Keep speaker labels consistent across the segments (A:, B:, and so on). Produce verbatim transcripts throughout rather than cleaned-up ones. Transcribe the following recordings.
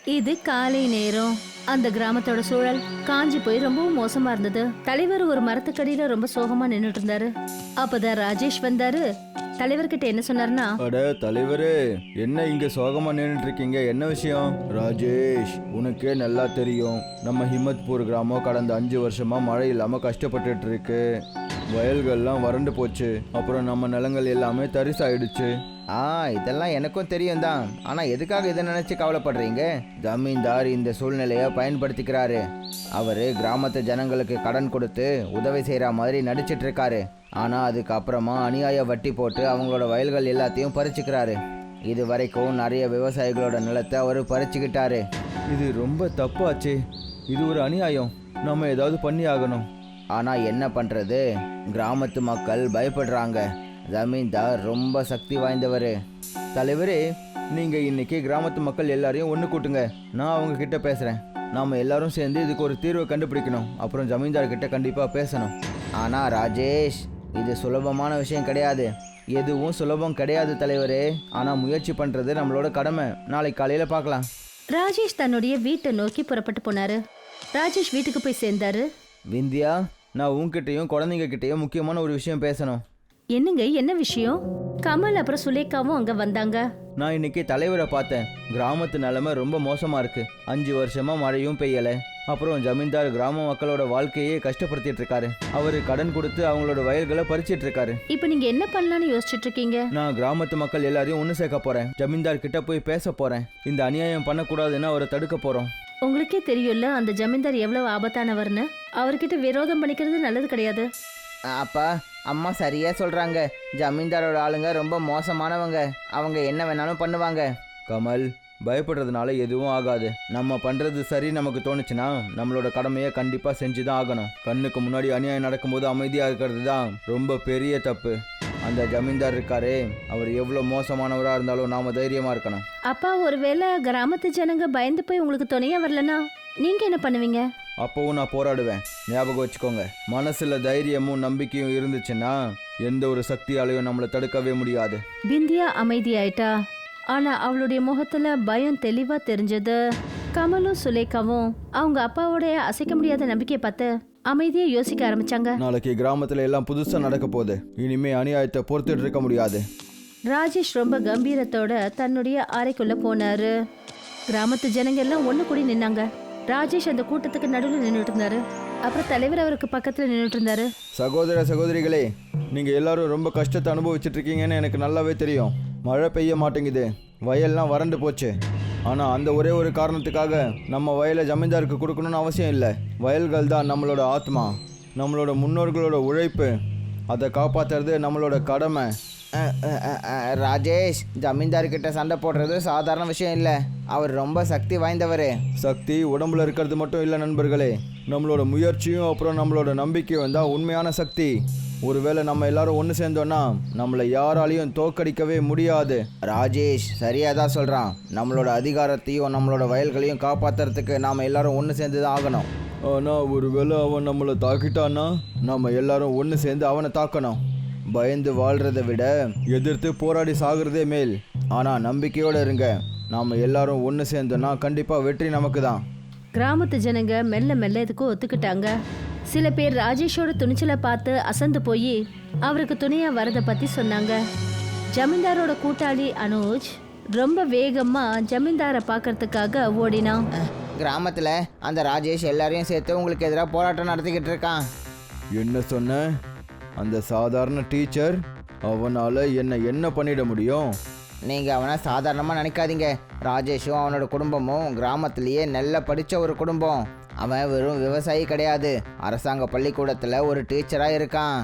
A: இது காலை நேரம். அந்த கிராமத்தோட சூழல் காஞ்சி போய் ரொம்பவும் மோசமா இருந்தது. தலைவர் ஒரு மரத்துக்கடியில ரொம்ப சோகமா நின்னுட்டு இருந்தாரு. அப்பதான் ராஜேஷ் வந்தாரு. தலைவர்கிட்ட என்ன சொன்னாருன்னா,
B: அட தலைவரே, என்ன இங்க சோகமா நின்றுட்டு இருக்கீங்க? என்ன விஷயம்? ராஜேஷ், உனக்கே நல்லா தெரியும், நம்ம ஹிம்மத்பூர் கிராமம் கடந்த அஞ்சு வருஷமா மழை இல்லாம கஷ்டப்பட்டுட்டு இருக்கு. வயல்கள்லாம் வறண்டு போச்சு. அப்புறம் நம்ம நிலங்கள் எல்லாமே தரிசாயிடுச்சு.
C: ஆ இதெல்லாம் எனக்கும் தெரியும் தான். ஆனால் எதுக்காக இதை நினச்சி கவலைப்படுறீங்க? ஜமீன்தார் இந்த சூழ்நிலையை பயன்படுத்திக்கிறாரு. அவர் கிராமத்து ஜனங்களுக்கு கடன் கொடுத்து உதவி செய்கிற மாதிரி நடிச்சிட்டு இருக்காரு. ஆனால் அதுக்கப்புறமா அநியாய வட்டி போட்டு அவங்களோட வயல்கள் எல்லாத்தையும் பறிச்சுக்கிறாரு. இது வரைக்கும் நிறைய விவசாயிகளோட நிலத்தை அவர் பறிச்சுக்கிட்டாரு.
B: இது ரொம்ப தப்பாச்சு. இது ஒரு அநியாயம். நம்ம ஏதாவது பண்ணி ஆகணும்.
C: ஆனால் என்ன பண்ணுறது, கிராமத்து மக்கள் பயப்படுறாங்க. ஜமீன்தார் ரொம்ப சக்தி வாய்ந்தவர்.
B: தலைவரே, நீங்க இன்னைக்கு கிராமத்து மக்கள் எல்லாரையும் ஒன்று கூட்டுங்க. நான் அவங்க கிட்ட பேசுறேன். நாம எல்லாரும் சேர்ந்து இதுக்கு ஒரு தீர்வை கண்டுபிடிக்கணும். அப்புறம் ஜமீன்தார் கிட்ட கண்டிப்பா பேசணும்.
C: ஆனால் ராஜேஷ், இது சுலபமான விஷயம் கிடையாது.
B: எதுவும் சுலபம் கிடையாது தலைவரே. ஆனா முயற்சி பண்றது நம்மளோட கடமை. நாளைக்கு காலையில பார்க்கலாம்.
A: ராஜேஷ் தன்னுடைய வீட்டை நோக்கி புறப்பட்டு போனாரு. ராஜேஷ் வீட்டுக்கு போய் சேர்ந்தாரு.
B: விந்தியா, நான் உங்ககிட்டயும் குழந்தைங்க கிட்டயும் முக்கியமான ஒரு விஷயம் பேசணும்.
A: என்னங்க, என்ன விஷயம்? கமல் அப்புறம் சுலேகாவும் அங்க வந்தாங்க.
B: நான் இன்னைக்கு தலைவரை பார்த்தேன். கிராமத்து நிலைமை ரொம்ப மோசமா இருக்கு. அஞ்சு வருஷமா மழையும் பெய்யல. அப்புறம் ஜமீன்தார் கிராம மக்களோட வாழ்க்கையே கஷ்டப்படுத்திட்டு இருக்காரு. அவரு கடன் கொடுத்து அவங்களோட வயல்களை பறிச்சிட்டு இருக்காரு.
A: இப்ப நீங்க என்ன பண்ணலாம்னு யோசிச்சுட்டு இருக்கீங்க?
B: நான் கிராமத்து மக்கள் எல்லாரையும் ஒன்று சேர்க்க போறேன். ஜமீன்தார் கிட்ட போய் பேச போறேன். இந்த அநியாயம் பண்ணக்கூடாதுன்னு அவரை தடுக்க போறோம்.
A: உங்களுக்கே தெரியும்ல அந்த ஜமீன்தார் எவ்வளவு ஆபத்தானவர்னு. அவர்கிட்ட விரோதம் பண்ணிக்கிறது நல்லது கிடையாது.
C: அப்பா, அம்மா சரியா சொல்கிறாங்க. ஜமீன்தாரோட ஆளுங்க ரொம்ப மோசமானவங்க. அவங்க என்ன வேணாலும் பண்ணுவாங்க.
B: கமல், பயப்படுறதுனால எதுவும் ஆகாது. நம்ம பண்றது சரி நமக்கு தோணுச்சுன்னா நம்மளோட கடமையை கண்டிப்பா செஞ்சுதான் ஆகணும். கண்ணுக்கு முன்னாடி அநியாயம் நடக்கும்போது அமைதியா இருக்கிறது தான் ரொம்ப பெரிய தப்பு. அந்த ஜமீன்தார் இருக்காரே, அவர் எவ்வளவு மோசமானவரா இருந்தாலும் நாம தைரியமா இருக்கணும்.
A: அப்பா, ஒருவேளை கிராமத்து ஜனங்க பயந்து போய் உங்களுக்கு துணையா வரலனா நீங்க என்ன பண்ணுவீங்க?
B: அப்பவும் நான் போராடுவேன். ஞாபகம் வச்சுக்கோங்க, மனசுல தைரியமும் நம்பிக்கையும் இருந்துச்சுன்னா எந்த ஒரு சக்தியாலையும் நம்மளை தடுக்கவே முடியாது.
A: பிந்தியா அமைதியாயிட்டா. ஆனா அவளுடைய முகத்துல பயம் தெளிவா தெரிஞ்சது. கமலும் சுலேகாவும் அவங்க அப்பாவோட அசைக்க முடியாத நம்பிக்கையை பார்த்து அமைதியா யோசிக்க ஆரம்பிச்சாங்க.
B: நாளைக்கு கிராமத்துல எல்லாம் புதுசா நடக்க போகுது. இனிமே அநியாயத்தை பொறுத்துட்டு இருக்க முடியாது.
A: ராஜேஷ் ரொம்ப கம்பீரத்தோட தன்னுடைய அறைக்குள்ள போனாரு. கிராமத்து ஜனங்க எல்லாம் ஒண்ணு கூடி நின்னாங்க. ராஜேஷ் அந்த கூட்டத்துக்கு நடுவில் நின்றுட்டு இருந்தாரு. அப்புறம் தலைவர் அவருக்கு பக்கத்துல நின்றுட்டு இருந்தாரு.
B: சகோதர சகோதரிகளே, நீங்க எல்லாரும் ரொம்ப கஷ்டத்தை அனுபவிச்சுட்டு இருக்கீங்கன்னு எனக்கு நல்லாவே தெரியும். மழை பெய்ய மாட்டேங்குது, வயல்லாம் வறண்டு போச்சு. ஆனால் அந்த ஒரே ஒரு காரணத்துக்காக நம்ம வயலை ஜமீன்தாருக்கு கொடுக்கணும்னு அவசியம் இல்லை. வயல்கள் தான் நம்மளோட ஆத்மா, நம்மளோட முன்னோர்களோட உழைப்பு. அதை காப்பாற்றுறது நம்மளோட கடமை.
C: ராஜேஷ், ஜமீன்தார்கிட்ட சண்டை போடுறது சாதாரண விஷயம் இல்லை. அவர் ரொம்ப சக்தி வாய்ந்தவர்.
B: சக்தி உடம்புல இருக்கிறது மட்டும் இல்லை நண்பர்களே, நம்மளோட முயற்சியும் அப்புறம் நம்மளோட நம்பிக்கையும் தான் உண்மையான சக்தி. ஒருவேளை நம்ம எல்லாரும் ஒன்று சேர்ந்தோன்னா நம்மளை யாராலையும் தோக்கடிக்கவே முடியாது.
C: ராஜேஷ் சரியாக தான் சொல்கிறான். நம்மளோட அதிகாரத்தையும் நம்மளோட வயல்களையும் காப்பாற்றுறதுக்கு நாம் எல்லாரும் ஒன்று சேர்ந்து தான் ஆகணும்.
B: ஆனால் ஒருவேளை அவன் நம்மளை தாக்கிட்டான்னா நம்ம எல்லாரும் ஒன்று சேர்ந்து அவனை தாக்கணும். பயந்து வாழ்கிறத விட எதிர்த்து போராடி சாகிறதே மேல். ஆனால் நம்பிக்கையோடு இருங்க, நாம் எல்லாரும் ஒன்று சேர்ந்தோன்னா கண்டிப்பாக வெற்றி நமக்கு தான்.
A: கிராமத்து ஜனங்க மெல்ல மெல்ல இதுக்கு ஒத்துக்கிட்டாங்க. சில பேர் ராஜேஷோட துணிச்சலை பார்த்து அசந்து போய் அவருக்கு துணையா வரதை பத்தி சொன்னாங்க. ஜமீன்தாரோட கூட்டாளி அனுஜ் ரொம்ப வேகமா ஜமீன்தாரை பார்க்கறதுக்காக ஓடினான்.
C: கிராமத்தில் அந்த ராஜேஷ் எல்லாரையும் சேர்த்து உங்களுக்கு எதிராக போராட்டம் நடத்திக்கிட்டு இருக்கான்.
B: என்ன சொன்ன? அந்த சாதாரண டீச்சர், அவனால் என்ன என்ன பண்ணிட முடியும்?
C: நீங்கள் அவனை சாதாரணமாக நினைக்காதீங்க. ராஜேஷும் அவனோட குடும்பமும் கிராமத்திலேயே நல்லா படித்த ஒரு குடும்பம். அவன் வெறும் விவசாயி கிடையாது, அரசாங்க பள்ளிக்கூடத்தில் ஒரு டீச்சராக இருக்கான்.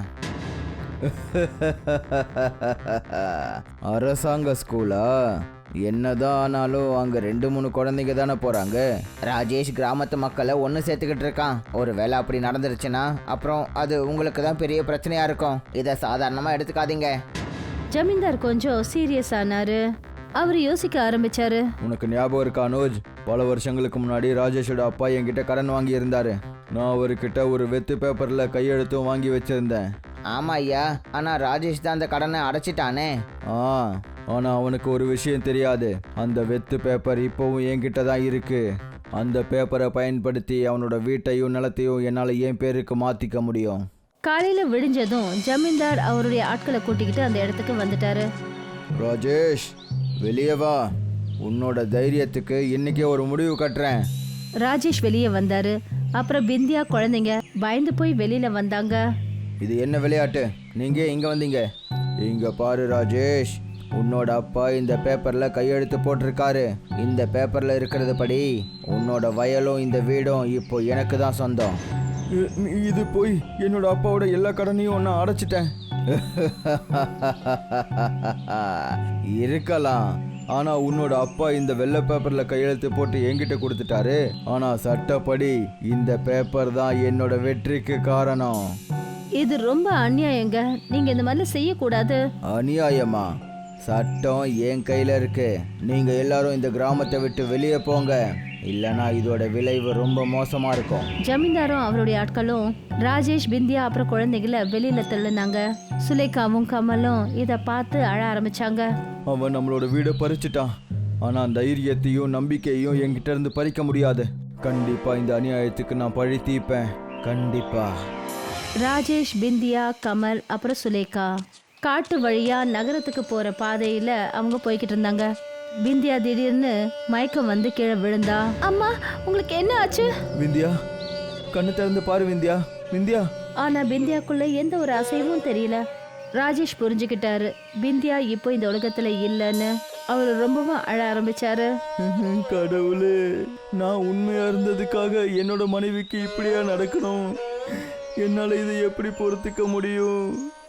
B: அரசாங்க ஸ்கூலா? என்னதான் ஆனாலும் அங்கே ரெண்டு மூணு குழந்தைங்க தானே போகிறாங்க.
C: ராஜேஷ் கிராமத்து மக்களை ஒன்று சேர்த்துக்கிட்டு இருக்கான். ஒரு வேளை அப்படி நடந்துருச்சுன்னா அப்புறம் அது உங்களுக்கு தான் பெரிய பிரச்சனையாக இருக்கும். இதை சாதாரணமாக எடுத்துக்காதீங்க.
A: ஜமீன்தார் கொஞ்சம் சீரியஸ் ஆனாரு. அவர் யோசிக்க ஆரம்பிச்சாரு.
B: உனக்கு ஞாபகம் இருக்கா அனுஜ்? பல வருஷங்களுக்கு முன்னாடி ராஜேஷோட அப்பா என்கிட்ட கடன் வாங்கி இருந்தாரு. நான் அவர்கிட்ட ஒரு வெத்து பேப்பர்ல கையெழுத்தும் வாங்கி வச்சிருந்தேன்.
C: ஆமா ஐயா, ஆனா ராஜேஷ் தான் அந்த கடனை அடைச்சிட்டானே.
B: ஆ, ஆனால் அவனுக்கு ஒரு விஷயம் தெரியாது. அந்த வெத்து பேப்பர் இப்போவும் என்கிட்ட தான் இருக்கு. அந்த பேப்பரை பயன்படுத்தி அவனோட வீட்டையும் நிலத்தையும் என்னால் என் பேருக்கு மாற்றிக்க முடியும்.
A: காலையில விடிஞ்சதும் ஜமீன்தார் அவருடைய ஆட்களை கூட்டிக்கிட்டு அந்த இடத்துக்கு வந்துட்டாரு.
B: ராஜேஷ், வெளியே வா. உன்னோட தைரியத்துக்கு இன்னைக்கே ஒரு முடிவு கட்டுறேன்.
A: ராஜேஷ் வெளியே வந்தாரு. அப்புறம் பிந்தியா குழந்தைங்க பயந்து போய் வெளியில வந்தாங்க.
B: இது என்ன விளையாட்டு? நீங்கள் இங்கே வந்தீங்க? இங்கே பாரு ராஜேஷ், உன்னோட அப்பா இந்த பேப்பரில் கையெழுத்து போட்டிருக்காரு. இந்த பேப்பரில் இருக்கிறது படி உன்னோட வயலும் இந்த வீடும் இப்போ எனக்கு தான் சொந்தம். இது போய் என்னோட அப்பாவோட எல்லா கடனையும் நான் அடைச்சிட்டேன். இருக்கலாம், ஆனால் உன்னோட அப்பா இந்த வெள்ளை பேப்பரில் கையெழுத்து போட்டு என்கிட்ட கொடுத்துட்டாரு. ஆனால் சட்டப்படி இந்த பேப்பர் தான் என்னோட வெற்றிக்கு காரணம்.
A: இது ரொம்ப அநியாயங்க. நீங்க இந்த மாதிரி செய்யக்கூடாது.
B: அநியாயமா? சட்டம் என் கையில் இருக்கு. நீங்கள் எல்லாரும் இந்த கிராமத்தை விட்டு வெளியே போங்க, இல்லைனா இதோட விளைவு ரொம்ப மோசமாக இருக்கும்.
A: ஜமீன்தாரும் அவருடைய ஆட்களும் ராஜேஷ், பிந்தியா அப்புறம் குழந்தைகளை வெளியில தள்ளுனாங்க. சுலேகாவும் கமலும் இதை பார்த்து அழ ஆரம்பிச்சாங்க.
B: அவன் நம்மளோட வீடை பறிச்சிட்டான். ஆனால் தைரியத்தையும் நம்பிக்கையும் என்கிட்ட இருந்து பறிக்க முடியாது. கண்டிப்பாக இந்த அநியாயத்துக்கு நான் பழி தீர்ப்பேன். கண்டிப்பா.
A: ராஜேஷ், பிந்தியா, கமல் அப்புறம் சுலேகா காட்டு வழியா நகரத்துக்கு போற பாதையில அவங்க போய்கிட்டு இருந்தாங்க. பிந்தியா திடீர்னு மயக்கம் வந்து கீழே விழுந்தா. அம்மா, உங்களுக்கு என்ன ஆச்சு?
B: விந்தியா, கண்ணு திறந்து பாரு விந்தியா. விந்தியா.
A: ஆனா பிந்தியாக்குள்ள எந்த ஒரு அசைவும் தெரியல. ராஜேஷ் புரிஞ்சுக்கிட்டாரு பிந்தியா இப்போ இந்த உலகத்துல இல்லைன்னு. அவர் ரொம்பவும் அழ ஆரம்பிச்சாரு.
B: கடவுளே, நான் உண்மையா இருந்ததுக்காக என்னோட மனைவிக்கு இப்படியா நடக்கணும்? என்னால இதை எப்படி பொறுத்துக்க முடியும்?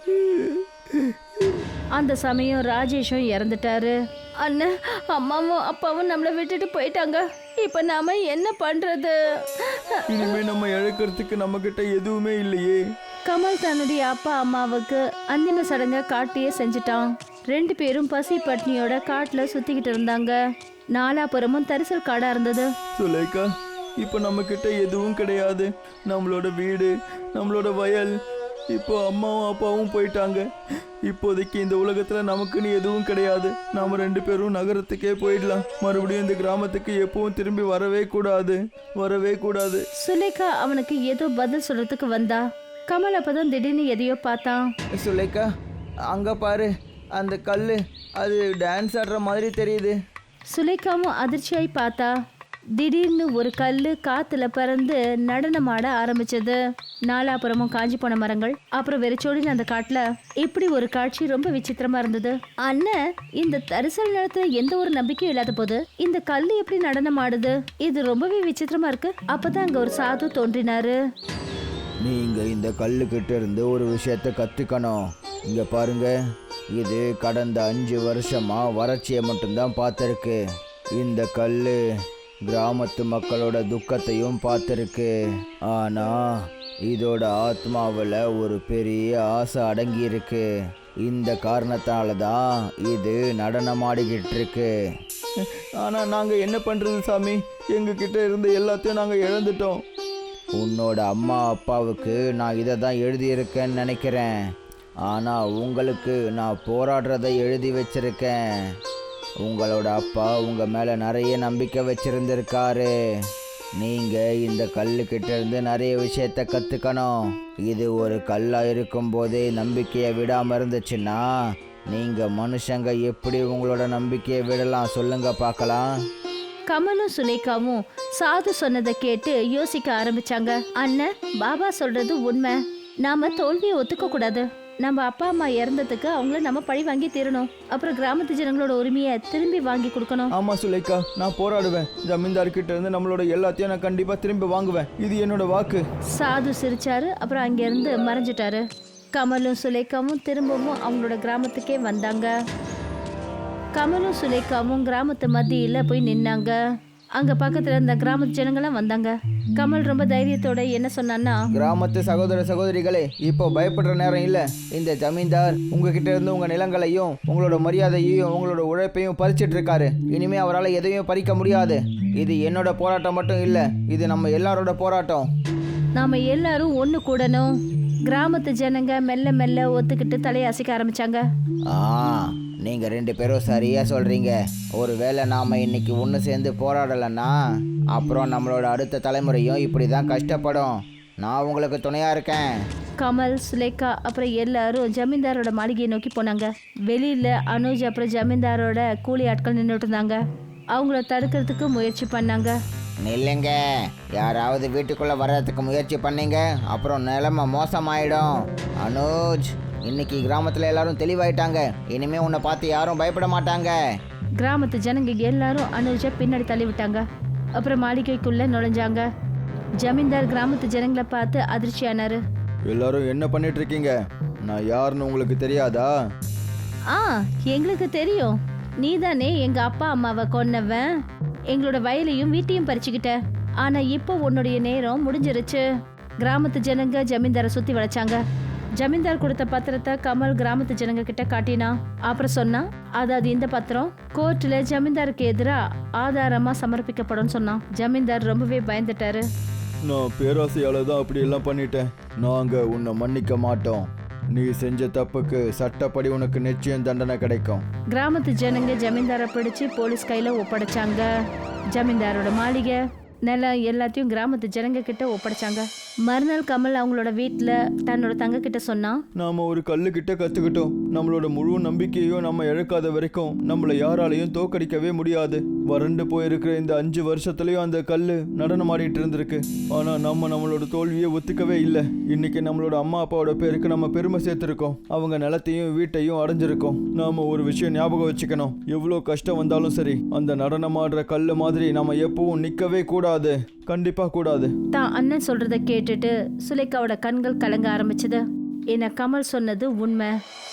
A: அந்த சமயம் ராஜேஷும் இறந்துட்டாரு. அண்ணன், அம்மாவும் அப்பாவும் நம்மளை விட்டுட்டு போயிட்டாங்க. இப்ப நாம என்ன பண்றது?
B: இனிமே நம்ம இழக்கிறதுக்கு நம்ம கிட்ட எதுவுமே இல்லையே.
A: கமல் தன்னுடைய அப்பா அம்மாவுக்கு அந்திம சடங்கை காட்டியே செஞ்சுட்டான். ரெண்டு பேரும் பசி பட்னியோட காட்டுல சுத்திக்கிட்டு இருந்தாங்க. நாலாபுரமும் தரிசல் காடா இருந்தது.
B: சுலேகா, இப்போ நம்ம கிட்ட எதுவும் கிடையாது. நம்மளோட வீடு, நம்மளோட வயல், இப்போ அம்மாவும் அப்பாவும் போயிட்டாங்க. இப்போதைக்கு இந்த உலகத்துல நமக்குன்னு எதுவும் கிடையாது. நாம ரெண்டு பேரும் நகரத்துக்கே போயிடலாம். மறுபடியும் இந்த கிராமத்துக்கு எப்பவும் திரும்பி வரவே கூடாது, வரவே கூடாது.
A: சுலேகா அவனுக்கு ஏதோ பதில் சொல்றதுக்கு வந்தா. கமல் அப்பதான் திடீர்னு எதையோ பார்த்தான்.
C: சுலேகா, அங்க பாரு, அந்த கல்லு அது டான்ஸ் ஆடுற மாதிரி தெரியுது.
A: சுலேகாவும் அதிர்ச்சியாய் பார்த்தா. திடீர்னு ஒரு கல்லு காத்துல பறந்து நடனமாட ஆரம்பிச்சது. நாலாபுரமும் காஞ்சி போன மரங்கள், அப்புறம் வெறிச்சோடின அந்த காட்டுல இப்படி ஒரு காட்சி ரொம்ப விசித்திரமா இருந்தது. அண்ணன், இந்த தரிசல் நிலத்துல எந்த ஒரு நம்பிக்கையும் இல்லாத போது இந்த கல்லு எப்படி நடனம் ஆடுது? இது ரொம்பவே விசித்திரமா இருக்கு. அப்பதான் அங்க ஒரு சாது தோன்றினாரு.
C: நீங்க இந்த கல்லு கிட்ட இருந்து ஒரு விஷயத்த கத்துக்கணும். இங்க பாருங்க, இது கடந்த அஞ்சு வருஷமா வறட்சியை மட்டும்தான் பார்த்துருக்கு. இந்த கல்லு கிராமத்து மக்களோட துக்கத்தையும் பார்த்துருக்கு. ஆனா இதோட ஆத்மாவில் ஒரு பெரிய ஆசை அடங்கி இருக்கு. இந்த காரணத்தால தான் இது நடனமாடிக்கிட்டு இருக்கு.
B: ஆனால் நாங்கள் என்ன பண்ணுறது சாமி? எங்ககிட்ட இருந்த எல்லாத்தையும் நாங்கள் இழந்துட்டோம்.
C: உன்னோட அம்மா அப்பாவுக்கு நான் இதை தான் எழுதியிருக்கேன்னு நினைக்கிறேன். ஆனால் உங்களுக்கு நான் போராடுறதை எழுதி வச்சிருக்கேன். உங்களோட அப்பா உங்கள் மேலே நிறைய நம்பிக்கை வச்சிருந்திருக்காரு. நீங்கள் இந்த கல்லுக்கிட்ட இருந்து நிறைய விஷயத்த கற்றுக்கணும். இது ஒரு கல்லாக இருக்கும்போதே நம்பிக்கையை விடாமல் இருந்துச்சுன்னா நீங்கள் மனுஷங்க எப்படி உங்களோட நம்பிக்கையை விடலாம்? சொல்லுங்க பார்க்கலாம்.
A: கமலும் சுலேகாவும் சாது சொன்னதை கேட்டு யோசிக்க ஆரம்பிச்சாங்க. அண்ணன், பாபா சொல்றது உண்மை. நாம தோல்வியை ஒத்துக்க கூடாது. நம்ம அப்பா அம்மா இறந்ததுக்கு அவங்கள நம்ம பழி வாங்கி தீரணும். அப்புறம் கிராமத்து ஜனங்களோட உரிமையை திரும்பி வாங்கி கொடுக்கணும்.
B: ஆமா சுலேகா, நான் போராடுவேன். ஜமீன்தார் கிட்ட இருந்து நம்மளோட எல்லாத்தையும் நான் கண்டிப்பா திரும்பி வாங்குவேன். இது என்னோட வாக்கு.
A: சாது சிரிச்சாரு. அப்புறம் அங்கிருந்து மறைஞ்சிட்டாரு. கமலும் சுலேகாவும் திரும்பவும் அவங்களோட கிராமத்துக்கே வந்தாங்க. கமலும் சுலேகாவும் கிராமத்து மத்தியில போய் நின்னாங்க. அங்க பக்கத்துல இருந்த கிராமத்து ஜனங்களாம் வந்தாங்க. கமல் ரொம்ப தைரியத்தோட என்ன சொன்னான்னா,
C: கிராமத்து சகோதர சகோதரிகளே, இப்போ பயப்படுற நேரம் இல்லை. இந்த ஜமீன்தார் உங்ககிட்ட இருந்து உங்க நிலங்களையும் உங்களோட மரியாதையையும் உங்களோட உழைப்பையும் பறிச்சிட்டு இருக்காரு. இனிமே அவரால் எதையும் பறிக்க முடியாது. இது என்னோட போராட்டம் மட்டும் இல்லை, இது நம்ம எல்லாரோட போராட்டம்.
A: நாம எல்லாரும் ஒண்ணு கூடணும். கிராமத்து ஜனங்க மெல்ல மெல்ல ஒத்துக்கிட்டு தலையை அசைக்க ஆரம்பிச்சாங்க.
C: ஆ நீங்கள் ரெண்டு பேரும் சரியாக சொல்கிறீங்க. ஒருவேளை நாம் இன்னைக்கு ஒன்று சேர்ந்து போராடலைன்னா அப்புறம் நம்மளோட அடுத்த தலைமுறையும் இப்படி தான் கஷ்டப்படும். நான் உங்களுக்கு துணையாக இருக்கேன்.
A: கமல், சுலேகா அப்புறம் எல்லாரும் ஜமீன்தாரோட மாளிகையை நோக்கி போனாங்க. வெளியில அனுஜ் அப்புறம் ஜமீன்தாரோட கூலி ஆட்கள் நின்றுட்டு இருந்தாங்க. அவங்கள தடுக்கிறதுக்கு முயற்சி பண்ணாங்க.
C: நில்லுங்க, யாராவது வீட்டுக்குள்ளே வர்றதுக்கு முயற்சி பண்ணீங்க அப்புறம் நிலைமை மோசமாயிடும். அனுஜ், இன்னைக்கு கிராமத்தில் எல்லாரும் தெளிவாயிட்டாங்க. இனிமே உன்னை பார்த்து யாரும் பயப்பட மாட்டாங்க.
A: கிராமத்து ஜனங்க எல்லாரும் அனுஜை பின்னாடி தள்ளி விட்டாங்க. அப்புறம் மாளிகைக்குள்ள நுழைஞ்சாங்க. ஜமீன்தார் கிராமத்து ஜனங்களை பார்த்து அதிர்ச்சியானாரு.
B: எல்லாரும் என்ன பண்ணிட்டு இருக்கீங்க? நான் யாருன்னு உங்களுக்கு தெரியாதா?
A: ஆ, எங்களுக்கு தெரியும். நீதானே எங்க அப்பா அம்மாவை கொன்னவன். எங்களோட வயலையும் வீட்டையும் பறிச்சுக்கிட்ட. ஆனா இப்போ உன்னுடைய நேரம் முடிஞ்சிருச்சு. கிராமத்து ஜனங்க ஜமீன்தாரை சுத்தி வளைச்சாங்க. ஜமீன்தார் கொடுத்த பத்திரத்தை கமல் கிராமத்து ஜனங்க கிட்ட காட்டினா. அப்புறம் சொன்னா, அதாவது இந்த பத்திரம் கோர்ட்ல ஜமீன்தாருக்கு எதிராக ஆதாரமா சமர்ப்பிக்கப்படும் சொன்னான். ஜமீன்தார் ரொம்பவே பயந்துட்டாரு.
B: நான் பேராசையால தான் அப்படி எல்லாம் பண்ணிட்டேன். நாங்க உன்னை மன்னிக்க மாட்டோம். நீ செஞ்ச தப்புக்கு சட்டப்படி உனக்கு நிச்சயம் தண்டனை கிடைக்கும்.
A: கிராமத்து ஜனங்க ஜமீன்தாரை பிடிச்சு போலீஸ் கையில ஒப்படைச்சாங்க. ஜமீன்தாரோட மாளிகை, நிலம் எல்லாத்தையும் கிராமத்து ஜனங்க கிட்ட ஒப்படைச்சாங்க. மறுநாள் கமல் அவங்களோட வீட்டுல தன்னோட தங்க கிட்ட சொன்னா,
B: நாம ஒரு கல்லு கிட்ட கத்துக்கிட்டோம். நம்மளோட முழு நம்பிக்கையும் நம்ம இழக்காத வரைக்கும் நம்மளை யாராலையும் தோக்கடிக்கவே முடியாது. வறண்டு போயிருக்கிற இந்த அஞ்சு வருஷத்துலயும் அந்த கல்லு நடனம் ஆடிட்டு இருந்திருக்கு. ஆனா நம்ம நம்மளோட தோல்வியை ஒத்துக்கவே இல்லை. இன்னைக்கு நம்மளோட அம்மா அப்பாவோட பேருக்கு நம்ம பெருமை சேர்த்திருக்கோம். அவங்க நிலத்தையும் வீட்டையும் அடைஞ்சிருக்கோம். நாம ஒரு விஷயம் ஞாபகம் வச்சுக்கணும். எவ்வளோ கஷ்டம் வந்தாலும் சரி, அந்த நடனம் ஆடுற கல்லு மாதிரி நம்ம எப்பவும் நிக்கவே கூடாது. கண்டிப்பா கூடாது.
A: தான் அண்ணன் சொல்றத கேட்டுட்டு சுலேகாவோட கண்கள் கலங்க ஆரம்பிச்சது. ஏன்னா கமல் சொன்னது உண்மை.